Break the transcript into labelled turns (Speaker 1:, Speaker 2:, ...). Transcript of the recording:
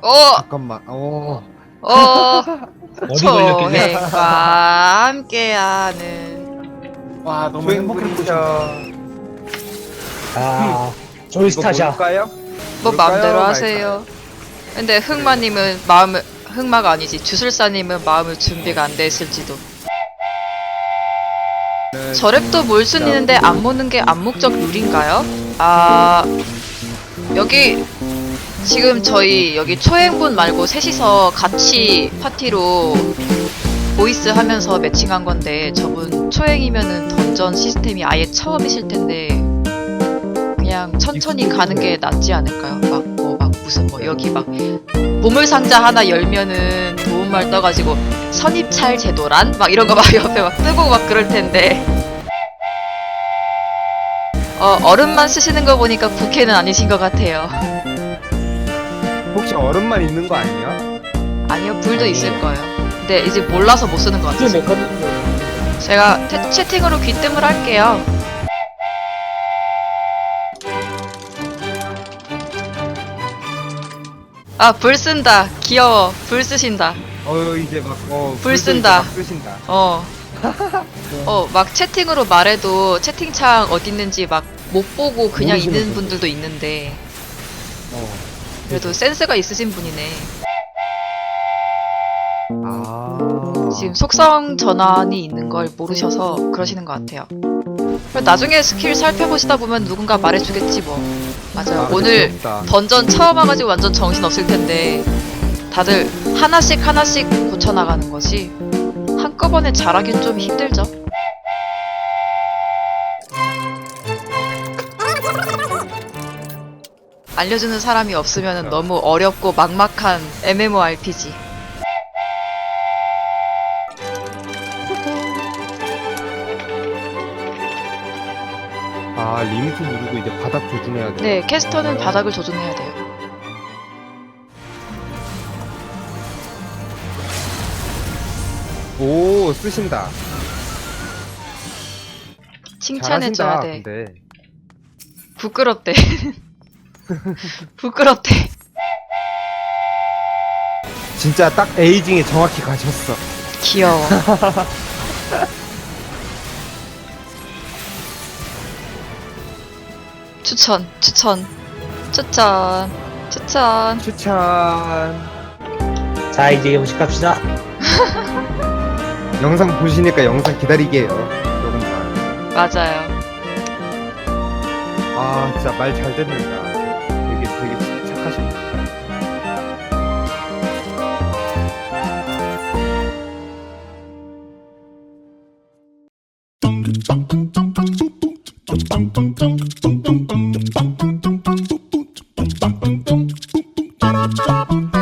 Speaker 1: 잠깐만.
Speaker 2: 어디 걸렸길래?
Speaker 3: 초행과 함께하는
Speaker 4: 와 너무 행복했죠.
Speaker 2: 아,
Speaker 1: 이거
Speaker 2: 조이스타샤.
Speaker 1: 뭘까요?
Speaker 3: 뭐
Speaker 1: 뭘까요?
Speaker 3: 마음대로
Speaker 1: 말까요?
Speaker 3: 하세요. 근데 흑마님은 흑마가 아니지 주술사님은 마음의 준비가 안 돼 있을지도.
Speaker 1: 네,
Speaker 3: 저랩도 몰 순 있는데 안 모는 게 암묵적 룰인가요? 아 여기 지금 저희 여기 초행분 말고 셋이서 같이 파티로 보이스 하면서 매칭한 건데 저분 초행이면은 던전 시스템이 아예 처음이실 텐데 그냥 천천히 가는 게 낫지 않을까요? 막 무슨 여기 막 보물상자 하나 열면은 도움말 떠가지고 선입찰 제도란? 막 이런 거 막 옆에 막 뜨고 막 그럴 텐데 얼음만 쓰시는 거 보니까 부캐는 아니신 것 같아요.
Speaker 1: 혹시 얼음만 있는 거 아니에요?
Speaker 3: 아니요, 불도 있을 거예요. 근데 이제 몰라서 못 쓰는 것
Speaker 2: 이게
Speaker 3: 같아요.
Speaker 2: 메커니즘.
Speaker 3: 제가 채팅으로 귀뜸을 할게요. 아, 불 쓴다. 귀여워. 불 쓰신다.
Speaker 1: 이제 막
Speaker 3: 불 쓴다.
Speaker 1: 막 쓰신다.
Speaker 3: 막 채팅으로 말해도 채팅창 어디 있는지 막 못 보고 그냥
Speaker 2: 모르시는
Speaker 3: 있는
Speaker 2: 분들.
Speaker 3: 분들도 있는데
Speaker 1: 어.
Speaker 3: 그래도 센스가 있으신 분이네.
Speaker 1: 아.
Speaker 3: 지금 속성 전환이 있는 걸 모르셔서 그러시는 것 같아요. 그리고 나중에 스킬 살펴보시다 보면 누군가 말해주겠지 뭐. 맞아요. 오늘
Speaker 1: 귀엽다.
Speaker 3: 던전 처음 와가지고 완전 정신 없을 텐데 다들 하나씩 고쳐나가는 거지 한꺼번에 잘하긴 좀 힘들죠. 알려주는 사람이 없으면 너무 어렵고 막막한 MMORPG.
Speaker 1: 아, 리미트 누르고 이제 바닥 조준해야 돼.
Speaker 3: 네, 캐스터는 바닥을 조준해야 돼요.
Speaker 1: 오, 쓰신다.
Speaker 3: 칭찬해줘야
Speaker 1: 잘하신다.
Speaker 3: 돼.
Speaker 1: 근데.
Speaker 3: 부끄럽대. 부끄럽대.
Speaker 1: 진짜 딱 에이징에 정확히 가셨어.
Speaker 3: 귀여워. 추천.
Speaker 1: 추천.
Speaker 2: 자, 이제 음식 갑시다.
Speaker 1: 영상 보시니까 영상 기다리게요. 조금만.
Speaker 3: 맞아요.
Speaker 1: 아, 진짜 말 잘 듣는다. 되게 착하십니다.
Speaker 5: Ba-da-ba-ba-ba